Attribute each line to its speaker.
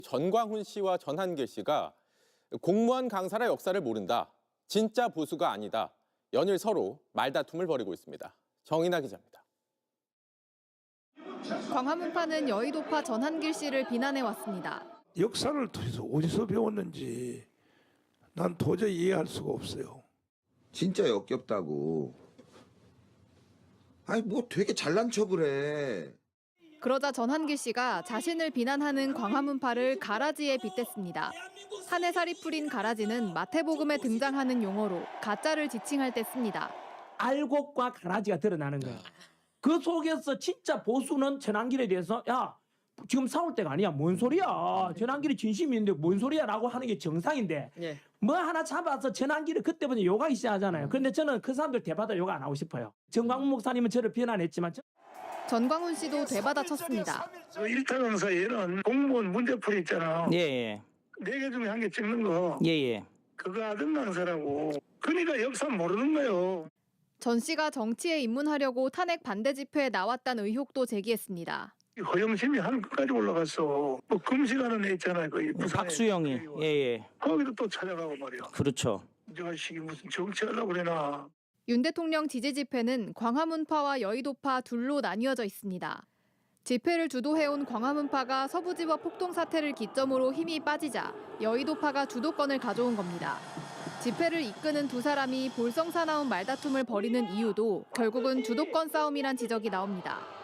Speaker 1: 전광훈 씨와 전한길 씨가 공무원 강사라 역사를 모른다. 진짜 보수가 아니다. 연일 서로 말다툼을 벌이고 있습니다. 정인아 기자입니다.
Speaker 2: 광화문파는 여의도파 전한길 씨를 비난해왔습니다.
Speaker 3: 역사를 도대체 어디서 배웠는지 난 도저히 이해할 수가 없어요.
Speaker 4: 진짜 역겹다고. 아니 뭐 되게 잘난 척을 해.
Speaker 2: 그러자 전한길 씨가 자신을 비난하는 광화문파를 가라지에 빗댔습니다. 한 해살이 풀인 가라지는 마태복음에 등장하는 용어로 가짜를 지칭할 때 씁니다.
Speaker 5: 알곡과 가라지가 드러나는 거야. 그 속에서 진짜 보수는 전한길에 대해서 야 지금 싸울 때가 아니야. 뭔 소리야. 전한길이 진심이 있는데 뭔 소리야 라고 하는 게 정상인데 뭐 하나 잡아서 전한길을 그때부터 욕하기 시작하잖아요. 그런데 저는 그 사람들 대받아 욕 안 하고 싶어요. 정광훈 목사님은 저를 비난했지만
Speaker 2: 전광훈 씨도 되받아쳤습니다.
Speaker 6: 일타 강사에는 공무원 문제풀이 있잖아.
Speaker 7: 예.
Speaker 6: 4개 중에 1개 찍는 거.
Speaker 7: 예.
Speaker 6: 그거 하던 강사라고. 그러니까 역사 모르는 거요.
Speaker 2: 전 씨가 정치에 입문하려고 탄핵 반대 집회에 나왔다는 의혹도 제기했습니다.
Speaker 6: 허영심이 한 끝까지 올라갔어. 뭐 금식하는 애 있잖아요. 거기 부산에.
Speaker 7: 박수영이. 예.
Speaker 6: 거기도 또 찾아가고 말이야.
Speaker 7: 그렇죠.
Speaker 6: 이 자식이 무슨 정치하려고 그러나.
Speaker 2: 윤 대통령 지지 집회는 광화문파와 여의도파 둘로 나뉘어져 있습니다. 집회를 주도해온 광화문파가 서부지법 폭동 사태를 기점으로 힘이 빠지자 여의도파가 주도권을 가져온 겁니다. 집회를 이끄는 두 사람이 볼성사나운 말다툼을 벌이는 이유도 결국은 주도권 싸움이란 지적이 나옵니다.